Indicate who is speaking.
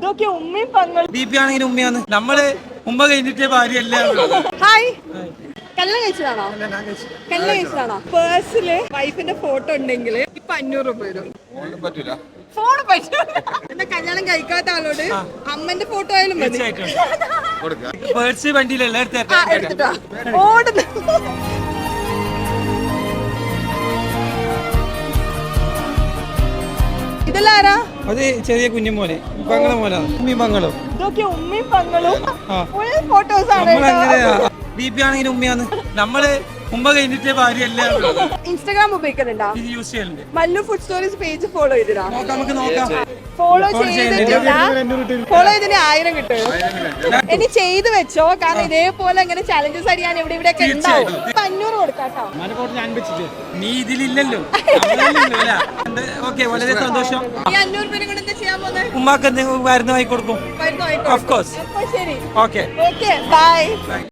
Speaker 1: ഇതൊക്കെ ഉമ്മയും പങ്ങളും.
Speaker 2: ബിപി ആണെങ്കിലും ഉമ്മയാണ്. നമ്മള് ഉമ്മ കഴിഞ്ഞിട്ടേ ഭാര്യയല്ല.
Speaker 1: ഹായ്, കല്യാണം കഴിച്ചതാണോ? കല്യാണം കഴിച്ചതാണോ? പേഴ്സില് വൈഫിന്റെ ഫോട്ടോ ഉണ്ടെങ്കിൽ ഇപ്പൊ 500 രൂപ വരും. ഫോണ് പറ്റൂല. എന്താ കല്യാണം കഴിക്കാത്ത ആളോട് അമ്മന്റെ ഫോട്ടോ ആയാലും മതി.
Speaker 2: പേഴ്സ് വണ്ടിയിലല്ല
Speaker 1: എടുത്തിട്ടാ ഓടുന്നു. ഇതെല്ലാരാ?
Speaker 2: അത് ചെറിയ കുഞ്ഞുമോനെ പങ്ങളെ മോനാണ്. ഉമ്മയും പങ്ങളും.
Speaker 1: ഇതൊക്കെ ഉമ്മയും പങ്ങളും ഫുൾ ഫോട്ടോസ് ആണ്.
Speaker 2: ബിപി ആണെങ്കിലും ഉമ്മയാണ്. നമ്മള് ഉമ്മ കഴിഞ്ഞിട്ടേ ഭാര്യയല്ല.
Speaker 1: ഇൻസ്റ്റാഗ്രാം ഉപയോഗിക്കുന്നുണ്ടോ?
Speaker 2: ഇത് യൂസ് ചെയ്യലുണ്ട്.
Speaker 1: Mallu food stories page follow ചെയ്തിടാ.
Speaker 2: നമുക്ക് നോക്കാം.
Speaker 1: ഫോളോ ചെയ്തിട്ടില്ല. ഫോളോ ചെയ്തതിന് 1000 കിട്ടും. ഇനി ചെയ്ത് വെച്ചോ, കാരണം ഇതേപോലെ ഇങ്ങനെ ചലഞ്ചസ് അടിയാൻ ഇവിടെ ഇവിടെ ഒക്കെ ഉണ്ടാവും. 500 കൊടുക്കാട്ടോ.
Speaker 2: നീ ഇതിലില്ലല്ലോ. ഓക്കെ, വളരെ സന്തോഷം.
Speaker 1: ഈ 500 രൂപ കൊണ്ട് എന്താ ചെയ്യാൻ പോകുന്നത്?
Speaker 2: ഉമ്മാക്ക് എന്തെങ്കിലും മരുന്ന് വാങ്ങി കൊടുക്കും.
Speaker 1: മരുന്ന് വാങ്ങിക്കോ.
Speaker 2: Of course.
Speaker 1: അപ്പൊ ശരി.
Speaker 2: Okay
Speaker 1: okay, by.